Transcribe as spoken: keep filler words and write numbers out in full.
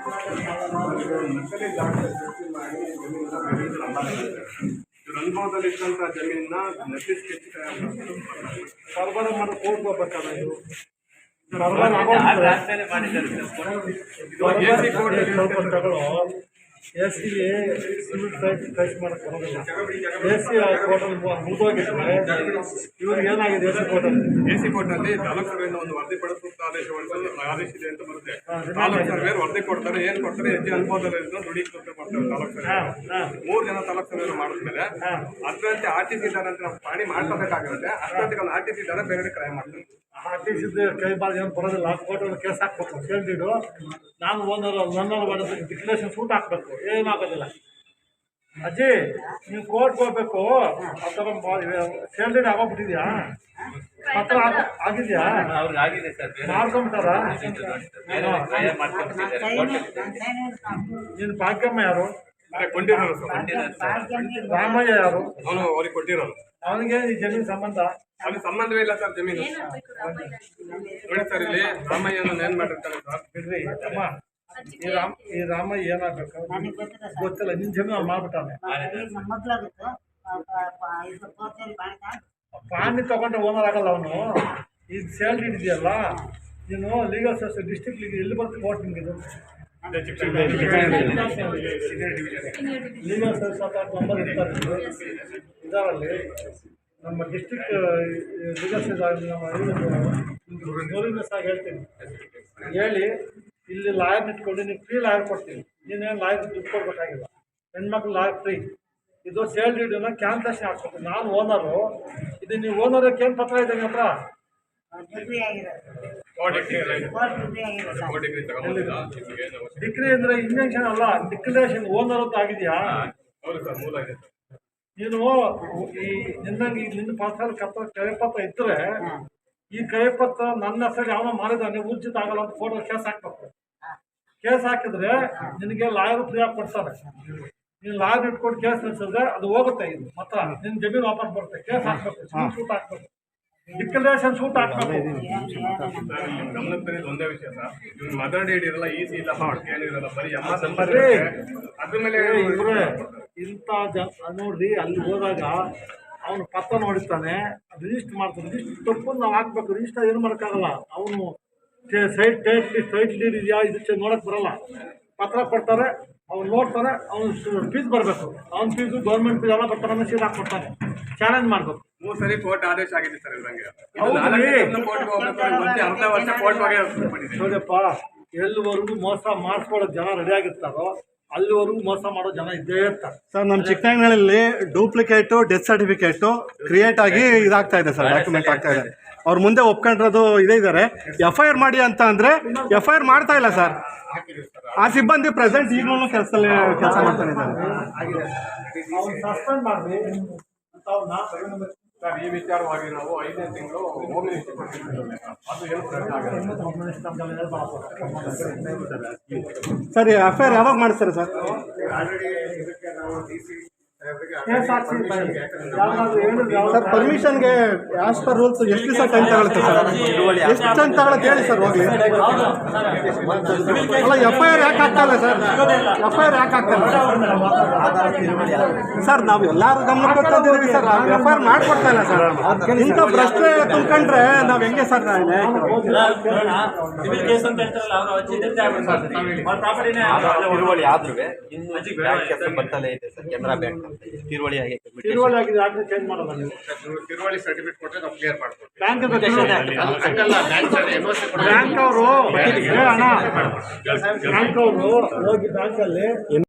ಅನುಭವದಲ್ಲಿ ಇದ್ದಂಥ ಜಮೀನನ್ನ ನಕಲಿ ಸ್ಕೆಚ್ ಸರ್ವರ ಮಾಡಿ ಹೋಗ್ಬೇಕಲ್ಲ ಇದು ಎಸ್ ಸಿಗೆ ಸಿವಿಲ್ ಟೈಪ್ ಮಾಡಕ್ಕೆ ಬರೋದಿಲ್ಲ. ಎಸ್ ಸಿ ಕೋರ್ಟಲ್ಲಿ ಮುಗಿದೋಗಿದ್ರೆ ಇವ್ರಿಗೆ ಏನಾಗಿದೆ ಎಸ್ ಸಿ ಕೋರ್ಟಲ್ಲಿ ಎ ಸಿ ಕೋರ್ಟ್ನಲ್ಲಿ ತಾಲೂಕು ಸರ್ವೆಯಿಂದ ಒಂದು ವರದಿ ಪಡಿಸುತ್ತ ಆದೇಶ ಆದೇಶಿದೆ ಅಂತ ಬರುತ್ತೆ. ತಾಲೂಕು ಸರ್ವೇರ್ ವರದಿ ಕೊಡ್ತಾರೆ, ಏನು ಕೊಡ್ತಾರೆ, ಹೆಜ್ಜೆ ಅನುಭವದಲ್ಲಿ ನುಡಿ ಕೊಡ್ತಾರೆ ತಾಲೂಕು ಸರ್ವೆ. ಮೂರು ಜನ ತಾಲೂಕು ಸರ್ವೇರು ಮಾಡಿದ್ಮೇಲೆ ಅದರಂತೆ ಆರ್ ಟಿ ಸಿ ಇದ್ದಾರೆ ಅಂತ ನಾವು ಪಾಣಿ ಮಾಡ್ಕೋಬೇಕಾಗಿರುತ್ತೆ. ಅಷ್ಟೊತ್ತಿಗೆ ಒಂದು ಆರ್ ಟಿ ಸಿ ಇದ್ದಾರೆ ಬೇರೆ ಕ್ರೈ ಮಾಡ್ತಾರೆ. ಆರ್ ಟಿ ಸಿ ಕೈ ಬಾಲ್ ಏನು ಬರೋದಿಲ್ಲ. ಕೋರ್ಟಲ್ಲಿ ಕೇಸ್ ಹಾಕ್ಬೇಕು. ಕೇಳ್ಬಿಟ್ಟು ನಾನು ಓನರ್ ನನ್ನವ್ರು ಮಾಡಿದ್ರೆ ಡಿಕ್ಲೇಷನ್ ಸೂಟ್ ಹಾಕ್ಬೇಕು. ಏನಾಗೋದಿಲ್ಲ. ಅಜ್ಜಿ ನೀವು ಕೋರ್ಟ್ಗೆ ಹೋಗ್ಬೇಕು. ಆ ಥರ ಸೇಲ್ರಿ ಆಗೋಗ್ಬಿಟ್ಟಿದ್ಯಾ? ಪತ್ರ ಆಗಿದೆಯಾ? ಮಾಡ್ಕೊಂಬಿಟ್ಟಾರ? ನೀನು ಭಾಗ್ಯಮ್ಮ ಯಾರು? ಕೊಂಡಿರೋರು. ರಾಮಯ್ಯ ಯಾರು? ಅವನು ಅವ್ರಿಗೆ ಕೊಟ್ಟಿರೋರು. ಅವನಿಗೆ ಈ ಜಮೀನು ಸಂಬಂಧ? ಅವ್ನಿಗೆ ಸಂಬಂಧವೇ ಇಲ್ಲ ಸರ್ ಜಮೀನು. ನೋಡಿ ಸರ್, ಇಲ್ಲಿ ರಾಮಯ್ಯನ ಏನ್ ಮಾಡಿರ್ತಾರೆ ಸರ್? ಬಿಡ್ರಿ ಅಮ್ಮ, ಈ ರಾಮ್ ಈ ರಾಮಯ್ಯ ಏನಾಗಬೇಕು ಗೊತ್ತಿಲ್ಲ. ನಿನ್ ಜಮೀನು ಮಾಡ್ಬಿಟ್ಟಾನೆ. ಪಾಣಿ ತಗೊಂಡ್ರೆ ಓನರ್ ಆಗಲ್ಲ ಅವನು. ಈ ಸೇಲ್ರಿ ಇದೆಯಲ್ಲ, ನೀನು ಲೀಗಲ್ ಸರ್ವಿಸ್ ಡಿಸ್ಟ್ರಿಕ್ಟ್ ಲೀಗ್ ಎಲ್ಲಿ ಬರುತ್ತೆ ಕೋರ್ಟ್ ನಿಮ್ಗೆ? ಇದು ಲೀಗಲ್ ಸರ್ವಿಸ್ ಅಂತ ನಂಬರ್ ಇರ್ತಾರೆ ಇದರಲ್ಲಿ. ನಮ್ಮ ಡಿಸ್ಟ್ರಿಕ್ಟ್ ಲೀಗಲ್ ಸರ್ವಿಸ್ ಸಹ ಹೇಳ್ತೀನಿ, ಹೇಳಿ ಇಲ್ಲಿ ಲಾಯರ್ ಇಟ್ಕೊಂಡು ನೀವು ಫ್ರೀ ಲಾಯರ್ ಕೊಡ್ತೀನಿ. ನೀನೇನು ಲಾಯರ್ ದುಡ್ಡು ಕೊಡ್ಬೇಕಾಗಿಲ್ಲ. ಹೆಣ್ಮಕ್ಳು ಲಾಯರ್ ಫ್ರೀ. ಇದು ಸೇಲ್ರಿ ಇದನ್ನ ಕ್ಯಾನ್ಸಲೇಷನ್ ಹಾಕ್ಬೇಕು. ನಾನು ಓನರು. ಇದು ನೀವು ಓನರಕ್ಕೆ ಏನು ಪತ್ರ ಇದೆ ಹತ್ರ? ಡಿಗ್ರಿ ಅಂದರೆ ಇಂಜೆಕ್ಷನ್ ಅಲ್ಲ, ಡಿಕ್ಲರೇಷನ್ ಓನರ್ ಅಂತ ಆಗಿದೆಯಾ? ನೀನು ಈ ನಿನ್ನಂಗೆ ಈಗ ನಿನ್ನ ಪಾಸಲ್ಲಿ ಕತ್ತ ಕೈಪತ್ರ ಇದ್ದರೆ ಈ ಕೈಪತ್ರ ನನ್ನ ಹೆಸರು ಯಾವನೋ ಮಾಡಿದಾನೆ ಉಚಿತ ಆಗಲ್ಲ ಅಂತ ಫೋಟೋ ಕೇಸ್ ಹಾಕ್ಬೇಕು. ಕೇಸ್ ಹಾಕಿದ್ರೆ ನಿನಗೆ ಲಾಯರ್ ಫ್ರೀ ಆಗಿ ಕೊಡ್ತಾರೆ. ನೀನು ಲಾಯರ್ ಇಟ್ಕೊಂಡು ಕೇಸ್ ನಡೆಸಿದ್ರೆ ಅದು ಹೋಗುತ್ತೆ. ಇದು ಮಾತ್ರ ನಿನ್ನ ಜಮೀನು ವಾಪಸ್ ಬರುತ್ತೆ. ಕೇಸ್ ಹಾಕ್ಬೇಕು, ಶೂಟ್ ಹಾಕ್ಬೇಕು, ಡಿಕ್ಲರೇಷನ್ ಶೂಟ್ ಹಾಕ್ಬೇಕು. ಗಮನಕ್ಕೆ ಒಂದೇ ವಿಷಯ ಸರ್, ಇವ್ರು ಮದರ್ ಡೇಟ್ ಇರಲ್ಲ, ಈ ಸಿ ಇಲ್ಲ, ಏನಿರಲ್ಲ, ಬರೀ ಅಮ್ಮ ನಂಬರ್. ಅದ್ರ ಮೇಲೆ ಇವ್ರೆ ಇಂಥ ಜನ ನೋಡ್ರಿ, ಅಲ್ಲಿ ಹೋದಾಗ ಅವನು ಪತ್ರ ನೋಡಿರ್ತಾನೆ, ರಿಜಿಸ್ಟರ್ ಮಾಡ್ತಾನೆ. ರಿಜಿಸ್ಟರ್ ತಪ್ಪು ನಾವು ಹಾಕ್ಬೇಕು. ರಿಜಿಸ್ಟರ್ ಏನು ಮಾಡೋಕ್ಕಾಗಲ್ಲ. ಅವನು ಸೈಟ್ ಟೈಟ್ ಸೈಟ್ ಲೀಡ್ ಇದೆಯಾ ಇದು ನೋಡೋಕ್ಕೆ ಬರಲ್ಲ. ಪತ್ರ ಕೊಡ್ತಾರೆ, ಅವ್ನು ನೋಡ್ತಾನೆ, ಅವ್ನು ಫೀಸ್ ಬರಬೇಕು. ಅವ್ನ ಫೀಸು ಗೌರ್ಮೆಂಟ್ ಫೀಸ್ ಎಲ್ಲ ಬರ್ತಾರೆ, ಸೀಟ್ ಹಾಕ್ಕೊಡ್ತಾನೆ. ಚಾಲೆಂಜ್ ಮಾಡಬೇಕು. ಮೂರು ಸರಿ ಕೋರ್ಟ್ ಆದೇಶ ಆಗಿದೆ ಸರ್ ಇದ್ರಂಗೆ. ನೋಡಪ್ಪ, ಎಲ್ಲಿವರೆಗೂ ಮೋಸ ಮಾಡಿಸ್ಕೊಳ್ಳೋ ಜನ ರೆಡಿ ಆಗಿರ್ತಾರೋ ಅಲ್ಲಿವರೆಗೂ ಮೋಸ ಮಾಡೋ ಜನ ಇದ್ದೇ ಇರ್ತಾರೆ ಸರ್. ನಮ್ಮ ಚಿಕ್ಕನಹಳ್ಳಿಯಲ್ಲಿ ಡೂಪ್ಲಿಕೇಟು ಡೆತ್ ಸರ್ಟಿಫಿಕೇಟು ಕ್ರಿಯೇಟ್ ಆಗಿ ಇದಾಗ್ತಾ ಇದೆ ಸರ್, ಡಾಕ್ಯುಮೆಂಟ್ ಆಗ್ತಾ ಇದೆ. ಅವ್ರು ಮುಂದೆ ಒಪ್ಕೊಂಡಿರೋದು ಇದೇ ಇದ್ದಾರೆ. ಎಫ್ ಐ ಆರ್ ಮಾಡಿ ಅಂತ ಅಂದರೆ ಎಫ್ ಐ ಆರ್ ಮಾಡ್ತಾ ಇಲ್ಲ ಸರ್. ಆ ಸಿಬ್ಬಂದಿ ಪ್ರೆಸೆಂಟ್ ಈಗಲೂ ಕೆಲಸದಲ್ಲಿ ಕೆಲಸ ಮಾಡ್ತಾನೆ ಇದ್ದಾರೆ. ಸಸ್ಪೆಂಡ್ ಮಾಡಿ ಸರ್, ಈ ವಿಚಾರವಾಗಿ ನಾವು ಐದನೇ ತಿಂಗಳು ಹೋಮ್ ಮಿನಿಸ್ಟರ್ ಅದು ಏನು ಸರ್, ಎಫ್ ಐ ಆರ್ ಯಾವಾಗ ಮಾಡಿಸ್ತಾರೆ ಸರ್? ಸರ್, ಪರ್ಮಿಷನ್ಗೆ ಆಸ್ ಪರ್ ರೂಲ್ಸ್ ಎಷ್ಟು ದಿವಸ ಟೈಮ್ ತಗೊಳುತ್ತೆ ಸರ್? ಎಷ್ಟು ಟೈಮ್ ತಗೊಳುತ್ತೆ ಹೇಳಿ ಸರ್. ಹೋಗ್ಲಿ ಅಲ್ಲ, ಎಫ್ ಐ ಆರ್ ಯಾಕೆ ಆಗ್ತಾ ಇಲ್ಲ ಸರ್? ಎಫ್ ಐ ಆರ್ ಯಾಕೆ ಆಗ್ತಾ ಇಲ್ಲ ಸರ್? ನಾವು ಎಲ್ಲರೂ ಗಮನಕ್ಕೆ ತಂದಿದ್ದೀವಿ ಸರ್. ಎಫ್ ಐ ಆರ್ ಮಾಡ್ಕೊಡ್ತಾ ಇಲ್ಲ ಸರ್. ಇಂಥ ಭ್ರಷ್ಟೆ ತುಂಬ್ಕೊಂಡ್ರೆ ನಾವು ಹೆಂಗೆ ಸರ್? ತಿರುವಳಿ ಆದ್ರೂ ಬರ್ತಲೇ ಇದೆ ಸರ್. ಕೆನರಾ ಬ್ಯಾಂಕ್ ತಿರುವಳಿ ಆಗಿದೆ. ತಿರುವಳಿ ಆಗಿದೆ, ಆದ್ರೆ ಚೇಂಜ್ ಮಾಡೋದು. ನೀವು ತಿರುವಳಿ ಸರ್ಟಿಫಿಕೇಟ್ ಕೊಟ್ಟರೆ ನಾವು ಕ್ಲಿಯರ್ ಮಾಡ್ಕೊಡ್ತೀವಿ. ಬ್ಯಾಂಕ್ ಬ್ಯಾಂಕ್ ಅವರು ಬ್ಯಾಂಕ್ ಅವರು ಹೋಗಿ ಬ್ಯಾಂಕಲ್ಲಿ